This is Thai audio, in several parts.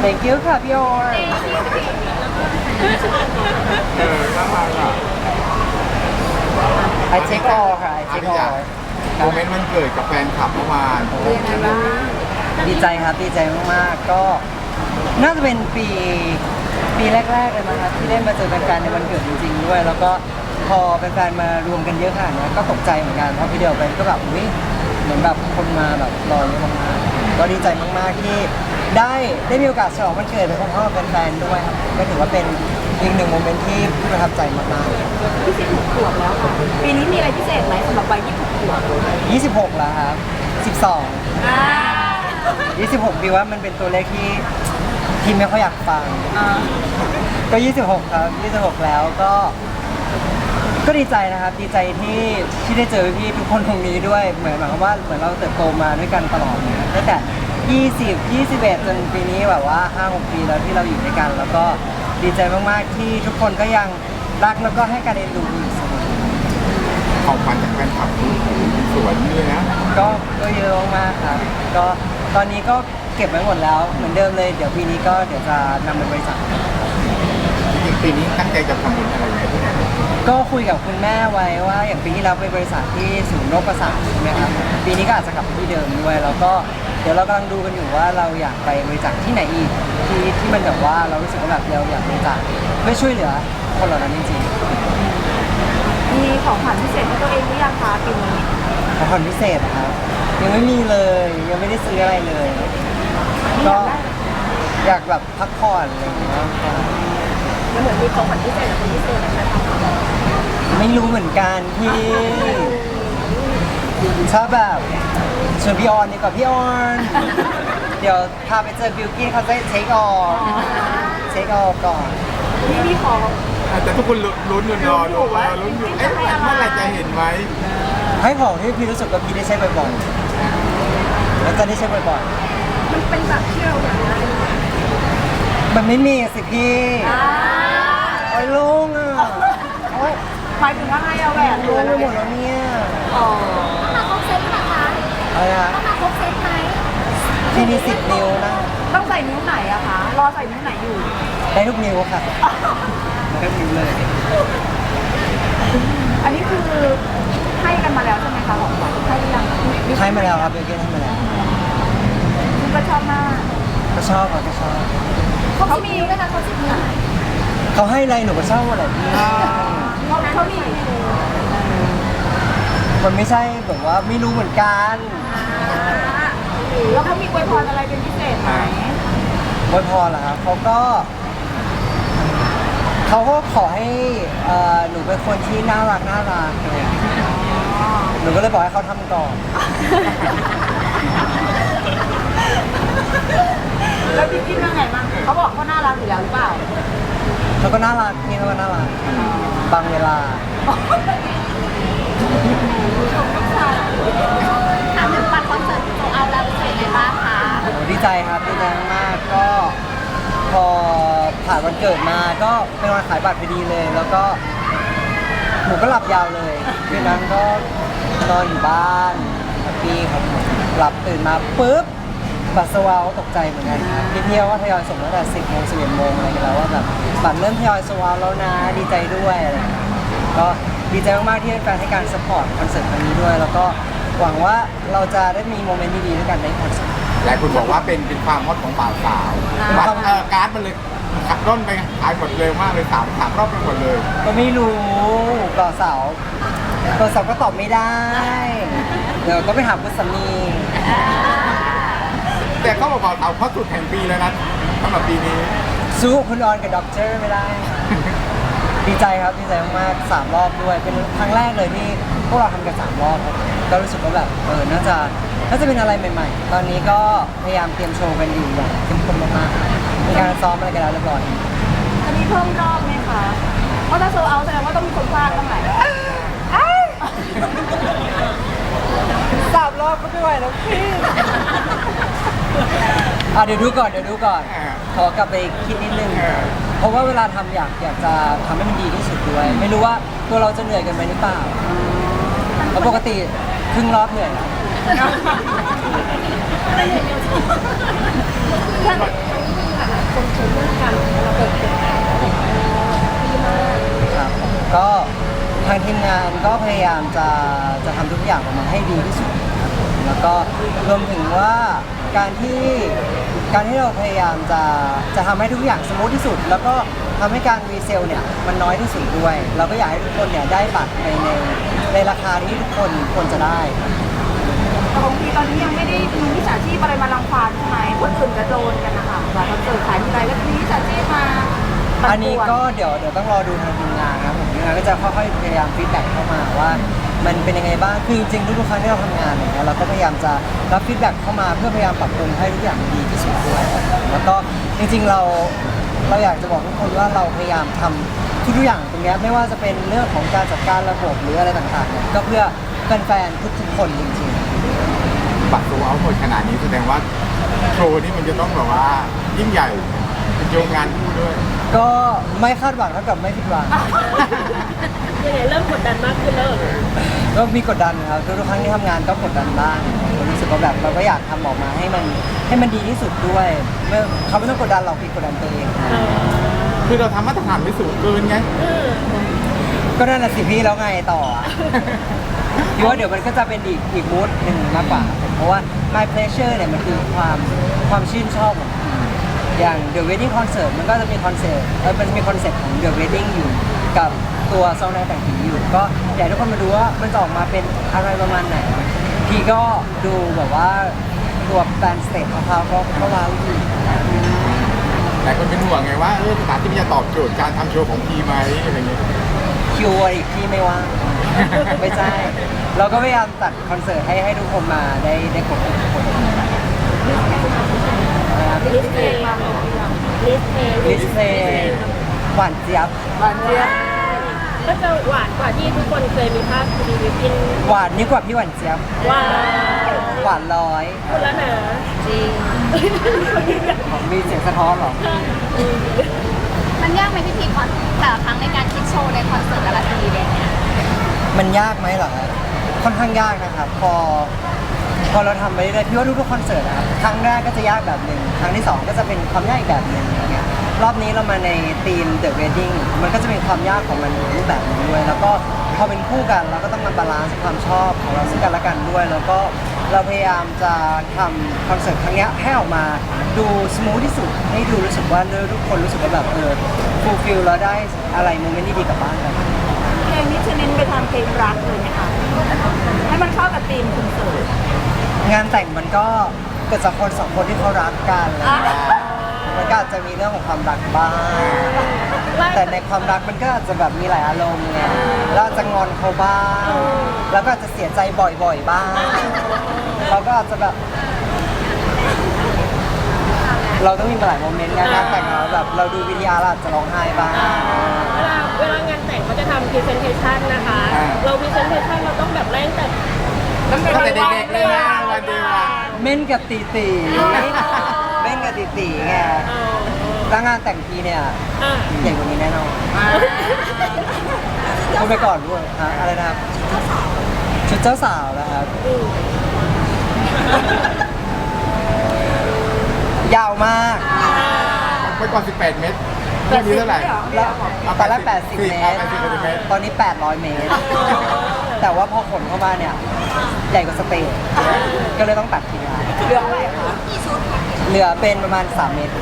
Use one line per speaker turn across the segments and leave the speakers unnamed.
thank you ค่ะพี่โออน
น่ารักอ่ะ
I take all ค่ะ I
อา
take
ทิตย์
all
โมเมนต์วันเกิดกับแฟนคลับเมื่อวาน
เป็นยังไงบ้าง
ดีใจครับดีใจมากๆก็น่าจะเป็นปีแรกๆเลยมั้งครับที่ได้มาเจอแฟนๆในวันเกิดจริงๆด้วยแล้วก็พอแฟนๆมารวมกันเยอะขนาดนี้ก็ตกใจเหมือนกันเพราะพี่เดียวไปก็แบบอุ้ยเหมือนแบบคนมาแบบรอเยอะมากๆก็ดีใจมากๆที่ได้มีโอกาสฉลองวันเกิดไปพร้อมๆกับแฟนๆด้วยครับก็ถือว่าเป็นอีกหนึ่งโมเมนต์ที่ประทับใจมากๆ
พี่16 ขวบแล้วค่ะ ปีนี้มีอะไรพิเศษไหมสำหรับวัย26 ขวบ
26แล้วครับ12
อ่า
26พี่ว่ามันเป็นตัวเลขที่ไม่ค่อยอยากฟัง ก็ 26 ครับ 26 แล้วก็ดีใจนะครับ ดีใจที่ได้เจอพี่ทุกคนตรงนี้ด้วย เหมือนแบบว่าเหมือนเราเติบโตมาด้วยกันตลอดเนี่ยตั้งแต่20 21จนปีนี้แบบว่า 5-6 ปีแล้วที่เราอยู่ด้วยกัน แล้วก็ดีใจมากๆที่ทุกคนก็ยังรักแล้วก็ให้การเอ็นดูอยู่เสมอ
ของขวัญจากแฟนคลับสวยเลยนะ
ก็เยอะมากครับ ก็ตอนนี้ก็เก็บไว้หมดแล้วเหมือนเดิมเลย เดี๋ยวปีนี้ก็เดี๋ยวจะนำไปบริจาค
จริงๆปีนี้ตั้งใจจะทำบุญอะไรไหมที่ไหน
ก็คุยกับคุณแม่ไว้ว่าอย่างปีที่แล้วไปบริษัทที่ศูนย์โรคประสาทใช่ไหมครับปีนี้ก็อาจจะกลับไปที่เดิมด้วยแล้วก็เดี๋ยวเรากำลังดูกันอยู่ว่าเราอยากไปบริจาคที่ไหนอีกที่มันแบบว่าเรารู้สึกว่าแบบเราอยากบริจาคเพื่อช่วยเหลือคนเหล่านั้นจริง
มีของขวัญพิเศษให้ตัวเองหรือยังคะปีนี้
ๆของขวัญพิเศษนะครับยังไม่มีเลยยังไม่ได้ซื้ออะไรเลย ก็อยากแบบพักผ่อนอะไรอย่างเงี้ย
มันเหมือนมีของขวัญพิเศษกับคนพิเศษนะคะ
ไม่รู้เหมือนกันพี่ถ้าแบบชวนพี่ออนดีกว่าพี่ออน เดี๋ยวพาไปเจอบิวกิ้นเขาจะเทคออก่อน
พี่ขอ
แต่ทุกคนลุ้นอยู่รอดูว่าลุ้นอยู่เอ๊ะเมื่อไหร่จะเห็นไหม
ให้ของที่พี่รู้สึกว่าพี่ได้ใช้บ่อยๆแล้วจะได้ใช้บ่อย
มันเป็นแบบที่เราอยากได้
ๆมันไม่มีสิพี่โอ้ยลุงอ่ะโอ้ย
หมายถึงว่าให้เอาแหวน
ลุงไปหมดแล้วเนี่ย
อ๋อ
มาครบเซตไหมคะ
อะไรนะ
ต้องมาครบเซตไหม
พี่มี10 นิ้วนะ
ต้องใส่นิ้วไหนอะคะ รอใส่นิ้วไหนอยู่
ได้ทุกนิ้วค่ะได้ทุกนิ้วเลย
อันนี้คือให้กันมาแล้วใช่ไหมคะของขวัญให้หรือยัง
ให้มาแล้วครับบิวกิ้นให้มาแล้ว
คุณก็ชอบมาก
ก็ชอบครับก็ชอบ
เขามีด้วยนะเขาสิบนิ้ว
เขาให้อะไรหนูก็ชอบหมดแหละพี่
เขามี
มันไม่ใช่แบบว่าไม่รู้เหมือนกัน
แล้วเขามีอวยพรอะไรเป็นพิเศษไหม
ไว้พอแล้วครับเขาก็ขอให้หนูเป็นคนที่น่ารักหนูก็เลยบอกให้เขาทำก่อน
แล้วพี่คิดว่าไงบ้างเขาบอกเขาน่ารักอยู่แล้วหรือเปล่า
เขาก็น่ารักพี่เขาก็น่ารักบางเวลา
ถามถึงบัตรคอนเสิร์ตโซเอาแล้วเป็นไงบ้างคะ
โอ้ดีใจครับดีใจมากๆก็พอผ่านวันเกิดมาก็เป็นวันขายบัตรพอดีเลย แล้วก็หนูก็หลับยาวเลยคืนนั้นก็นอนอยู่บ้านแฮปปี้ครับผมหลับตื่นมาปุ๊บบัตรสวาวตกใจเหมือนกันครับพี่ๆว่าทยอยส่งตั้งแต่10 โมง 11 โมงอะไรกันแล้วว่าแบบบัตรเริ่มทยอยสวาวแล้วนะดีใจด้วยอะไรอย่างเงี้ยก็ดีใจมากๆที่แฟนให้การสปอร์ตคอนเสิร์ตครั้งนี้ด้วย แล้วก็หวังว่าเราจะได้มีโมเมนต์ดีๆด้วยกันในคอนเสิร์ต
หลายคนบอกว่าเป็นความฮอตของบ่าวสาวบัตรการ์ดมันเลยขับร่นไปขายหมดเร็วมากเลยสามรอบไปหมดเลย
ก็ไม่รู้ต่อเสาก็ตอบไม่ได้ เดี๋ยวก็ไปถามคุณสามี
แต่เขาบอกบ่าวสาวเขาสุดแห่งปีแล้วนะสำหรับปีนี้
สู้คุณออนกับด็อกเตอร์ไม่ได้ ดีใจครับดีใจมากๆ3 รอบด้วย เป็นครั้งแรกเลยที่พวกเราทำกัน3 รอบครับก็รู้สึกว่าแบบน่าจะเป็นอะไรใหม่ๆ ตอนนี้ก็พยายามเตรียมโชว์กันอยู่อย่างเข้มข้นมากๆมีการซ้อมอะไรกันแล้วเรียบร้อย
จะมีเพิ่มรอบไหมคะเพราะถ้าโซเอาแสดงว่าต้องมีคนพลาดบ้างแหละ
3 รอบก็ไม่ไหวแล้วพี่เดี๋ยวดูก่อนขอกลับไปคิดนิดนึง เพราะว่าเวลาทำอยากจะทำให้มันดีที่สุดด้วย ไม่รู้ว่าตัวเราจะเหนื่อยกันไหมหรือเปล่าเพราะปกติครึ่งรอบเหนื่อยแล้ว
ถคนชมเรื่องการระบบดีมาก
ครับก็ทางทีมงานก็พยายามจะทำทุกอย่างออกมาให้ดีที่สุดครับผมแล้วก็รวมถึงว่าการที่เราพยายามจะทำให้ทุกอย่างสมูทที่สุด แล้วก็ทำให้การรีเซลเนี่ยมันน้อยที่สุดด้วย เราก็อยากให้ทุกคนเนี่ยได้บัตรในราคาที่ทุกคนควรจะได้
แต่บางทีตอนนี้ยังไม่ได้มีมิจฉาชีพอะไรมารังควานใช่ไหมคนอื่นจะโดนกันนะคะแบบคอนเสิร์ตขายที่ไรแล้วมีมิจฉาชีพมาปั่ป่ว
อันนี้ก็เดี๋ยวต้องรอดูทางทีมงานนะครับผมทีมงานก็จะค่อยๆพยายามฟีดแบ็กเข้ามาว่ามันเป็นยังไงบ้างคือจริงๆทุกๆครั้งที่เราทำงานอย่างเงี้ยเราก็พยายามจะรับฟีดแบ็กเข้ามาเพื่อพยายามปรับปรุงให้ทุกอย่างดีที่สุดด้วยแล้วก็จริงๆเราอยากจะบอกทุกคนว่าเราพยายามทำทุกๆอย่างตรงเนี้ยไม่ว่าจะเป็นเรื่องของการจัดการระบบหรืออะไรต่างๆเนี่ยก็เพื่อแฟนๆทุกๆคนจริงๆ
บัตรโซเอาหมดขนาดนี้แสดงว่าโชว์นี้มันจะต้องแบบว่ายิ่งใหญ่เป็นโยงงานคู่ด้วย
ก็ไม่คาดหวังเท่ากับไม่ผิดหวัง
ยังไงเริ่มกดดันมากขึ้นแล้ว
ก็มีกดดันครับทุกครั้งที่ทำงานก็กดดันบ้างผมรู้สึกว่าแบบเราก็อยากทำออกมาให้มันดีที่สุดด้วยเขาไม่ต้องกดดันเราพี่กดดันตัวเอง
คือเราทำมาตรฐานไม่สูงเกินไง
ก็นั่นแหละสิพี่แล้วไงต่ออ่ะ พี่ว่าเดี๋ยวมันก็จะเป็นอีกมูดหนึ่งมากกว่าเพราะว่า my pleasure เนี่ยมันคือความชื่นชอบของพี่อย่าง The Wedding Concert มันก็จะมีคอนเซ็ปต์มันจะมีคอนเซ็ปต์ของ The Wedding อยู่กับตัวซองแดงแต่งผีอยู่ก็อยากให้ทุกคนมาดูว่ามันจะออกมาเป็นอะไรประมาณไหนพี่ก็ดูแบบว่าตัวแบนสเตจของเขาก็ว้าวอยู่
แต่คนเป็นห่วงไงว่าสถานที่มันจะตอบโจทย์การทำโชว์ของพีไหมอะไรเงี้ย
คิวอีกที่ไม่ว่าง ไม่ใช่ เราก็พยายามตัดคอนเสิร์ตให้ทุกคนมาได้ครบทุกคนนะครับ
ลิสต์เพลงมาหมดยังลิสต์เพลง
ลิสเพลงหวานเจี๊ยบ
หวานเจี๊ยบ
ก็จะหวานกว่าที่ทุกคนเคยมีภาพรีวิวกิน
หวานยิ่งกว่าพี่หวานเจี๊ยบ
ว้าว
หวานร้อย
คุณแล้วนะ
จริง
มีเสียงสะท้อนเหรอ
มันยากไหมพี่พีก่อนแต่ละครั้งในการคิดโชว์ในคอนเสิร์ตแต่ละทีเนี่ย
มันยากไหมเหรอค่อนข้างยากนะครับพอเราทำไปเรื่อยๆพี่ว่าทุกๆคอนเสิร์ตนะครับครั้งแรกก็จะยากแบบหนึ่งครั้งที่สองก็จะเป็นความยากอีกแบบหนึ่งอย่างเงี้ยรอบนี้เรามาในธีม The Wedding มันก็จะมีความยากของมันอีกรูปแบบหนึงด้วยแล้วก็พอเป็นคู่กันเราก็ต้องมาบาลานซ์ความชอบของเราซึ่งกันและกันด้วย แล้วก็เราพยายามจะทำคอนเสิร์ตครั้งเนี้ยให้ออกมาดูสมูทที่สุดให้ดูรู้สึกว่าทุกคนรู้สึกว่าแบบฟูลฟิลแล้วได้อะไรโมเมนต์ดีๆกลับบ้านกัน
เพลงนี้จะเน้นไปทางเพลงรักเลยไหมคะให้มันเข้ากับธีมคอนเสิร์ต
งานแต่งมันก็เกิดจากคนสองคนที่เขารักกัน
อ่ะ
มันก็อาจจะมีเรื่องของความรักบ้างแต่ในความรักมันก็อาจจะแบบมีหลายอารมณ์ไงเราอาจจะงอนเขาบ้างแล้วก็อาจจะเสียใจบ่อยๆบ้างเราก็อาจจะแบบ เราต้องมีมาหลายโมเมนต์งานแต่งเราแบบเราดูวิดีอาร์เราอาจจะร้องไห้บ้าง
เวลางานแต่งเขาจะทำพรีเซนเทชันนะคะ เราพรีเซนเทชันเราต้องแบบแรงแต่
ตั้งแต่เด็กๆเลยนะวันเดียวอะ
เม่นกับตีตีเม่นกับตีตีไงแล้วงานแต่งพีเนี่ยใหญ่กว่านี้แน่นอนพูดไปก่อนด้วยฮะอะไรนะครับชุดเจ้าสาวนะครับ ยาวมาก
ไปก่อน18 เมตรเรื่องนี้เท่าไหร่
แล้วตอนแรก80 เมตร
80 เมตร
ตอนนี้ 800 เมตร แต่ว่าพอขนเข้ามาเนี่ย ใหญ่กว่าสเตจก็เลยต้องตัดทีละ
เรื่องอะไรคะ
เหลือเป็นประมาณ 3 เมตร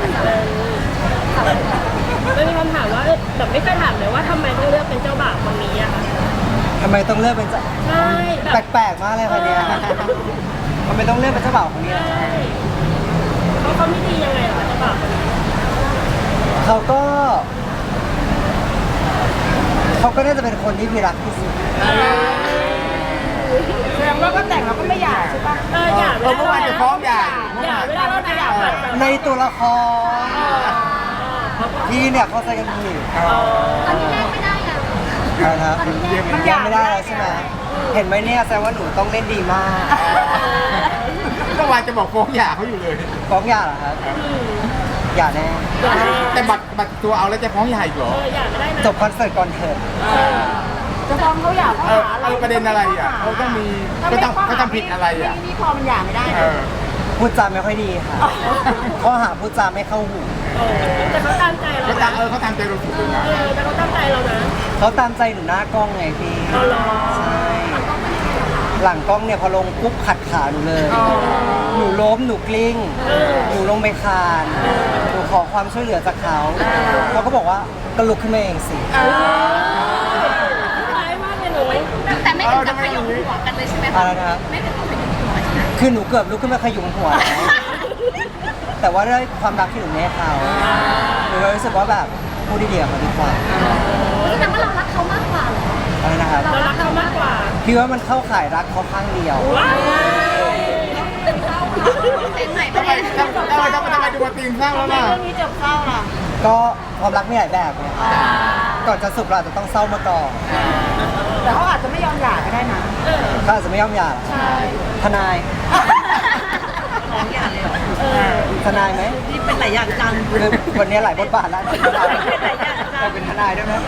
แล้วมีคำถามว่าแบบไม่เคยถามเลยว่าทำไมต้องเลือกเป็นเจ้าบ่าวคนนี้อะคะ
ทำไมต้องเลือกเป็นเจ้า
ใช่แบบ
แปลกๆมากเลยคนเนี้ยทำไมต้องเลือกเป็นเจ้าบ่าวคนนี้ล่ะ
ใช่เขาไม่ดียังไงเหรอเจ้าบ่าวคนนี้
เขาก็น่าจะเป็นคนที่พี่รักที่สุด
แสดงว่าก็แต่งแล้วก็ไม่อยากใช่ปะ
อย่า
เมื่อวานจะฟ้องใหญ่
อย่าเวลาเราจะอยากผ่าน
ในตัวละครพี่เนี่ยเขาใจกันผิด
ตอนนี้แลกไม่ได้อะ
นะครับยังไม่ได้แล้วใช่ไหมเห็นไหมเนี่ยแสดงว่าหนูต้องเล่นดีมาก
เมื่อวานจะบอกฟ้องหย่าเขาอยู่เลย
ฟ้องหย่าเหรอครับหย่าแน่
แต่บัตรตัวเอาแล้วจะฟ้องหย่าอีกเหรอ
อย่าไม่ได้นะ
จบคอนเสิร์ตก่อนเถิด
จะฟ้องเขาอยากเขาหาอะไร
ประเด็นอะไรอ่ะเขาต้องมีเขาทำผิดอะไรอ่ะ
นี่พอมันหย่าไม่ได้
เออ
พูดจาไม่ค่อยดีค่ะข้อหาพูดจาไม่เข้าหู
เ
แต่เขาตามใจเรา
เขา
นะ
เขาตามใจเราสุดเลยนะ
แต่เขาตามใจเรานะ
เขาตามใจหนูหน้ากล้องไงพี่
เอาหรอ
ใช่หลังกล้องเนี่ยพอลงปุ๊บขัดขาหนูเลย หนูล้มหนูกลิ้ง หนูลงไปคานหนูขอความช่วยเหลือจากเขาเขาก็บอกว่าก็ลุกขึ้นมาเองสิ
ร้ายมากเลยหนู
แต่ไม่ถึงกับขยมหัวกันเลยใช่ไหม
อะไรนะครับ
ไม่ถึงกับขยมหัวใช่ไหม
คือหนูเกือบลุกขึ้นมาขยุมหัวแล้วแต่ว่าด้วยความรักที่หนูให้เขาหนูก็รู้สึกว่าแบบพูดดีๆกับเขาดีกว่า
แสดงว่าเรารักเขามากกว่าเหรอ
อะไรนะครับ
เรารักเขามากกว่า
พี่ว่ามันเข้าข่ายรักเขาข้างเดียว
ว้าว
เป็นไหน
ทำไมทำไมดูมาตีนเศร้าแล้วล่ะ
เรื่องนี้จบเศร้าล่ะ
ก็ความรักมีหลายแบบไงก่อนจะสุขเราอาจจะต้องเศร้ามาก่อน
แต่เขาอาจจะไม่ยอมหย่าก็ได้นะ
เขาอาจจะไม่ยอมหย่า
ใช่
ทนาย
ของหย่าเลยเหรอ
ทนายไหม
นี่เป็นหลายอย่างจัง
คือวันนี้หลายบทบาทแล้ว
เป็นหลายอย่างจัง
เราเป็นทนายด้วยไหม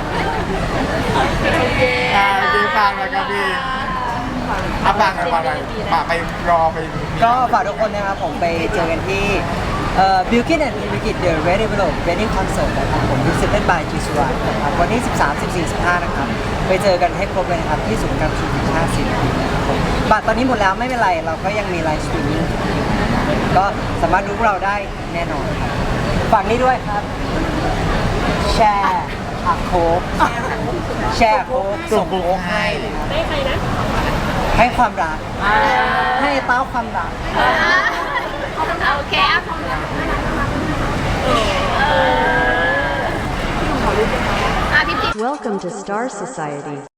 ดีฟังเลยครับพี่อาบังอะไรป่าไปรอไป
ก็ฝากทุกคนนะครับผมไปเจอกันที่Bilkin and Bilkin The Red Envelope Wedding Concert นะครับผม Presented by G Suran นะครับวันที่ 13, 14, 15 นะครับไปเจอกันให้ครบเลยนะครับที่ศูนย์การประชุมแห่งชาติศิริกิติ์นะครับผมบัตรตอนนี้หมดแล้วไม่เป็นไรเราก็ยังมีไลฟ์สตรีมมิ่งก็สามารถดูพวกเราได้แน่นอนครับฝากนี้ด้วยครับ แชร์อักโคกแชร์โค้กส่งโค้กให้นะครับ
ได้ใครนะ
ให้ความรัก ให้เต้าความรัก
โอเคอ่ะ พี่
Welcome to Star Society.